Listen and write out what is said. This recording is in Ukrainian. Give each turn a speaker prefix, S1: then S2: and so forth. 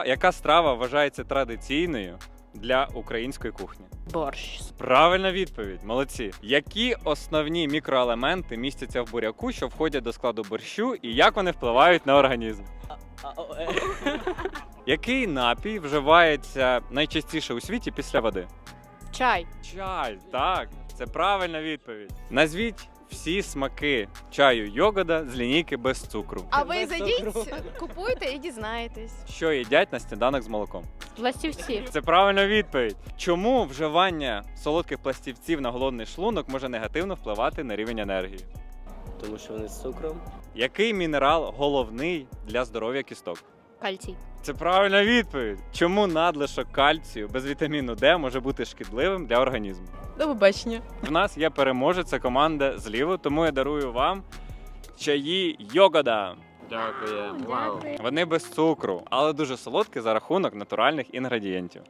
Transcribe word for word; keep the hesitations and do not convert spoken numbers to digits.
S1: Яка страва вважається традиційною для української кухні?
S2: Борщ.
S1: Правильна відповідь, молодці. Які основні мікроелементи містяться в буряку, що входять до складу борщу, і як вони впливають на організм? Який напій вживається найчастіше у світі після води?
S2: Чай.
S1: Чай, так, це правильна відповідь. Назвіть всі смаки чаю йогода з лінійки без цукру.
S3: А ви зайдіть, купуйте і дізнаєтесь.
S1: Що їдять на сніданок з молоком?
S2: Пластівці.
S1: Це правильна відповідь. Чому вживання солодких пластівців на голодний шлунок може негативно впливати на рівень енергії?
S4: Тому що вони з цукром.
S1: Який мінерал головний для здоров'я кісток?
S2: Кальцій.
S1: Це правильна відповідь. Чому надлишок кальцію без вітаміну Д може бути шкідливим для організму?
S2: До побачення.
S1: В нас є переможець, це команда зліво, тому я дарую вам чаї йогода.
S4: Дякую. Вау.
S1: Вони без цукру, але дуже солодкі за рахунок натуральних інгредієнтів.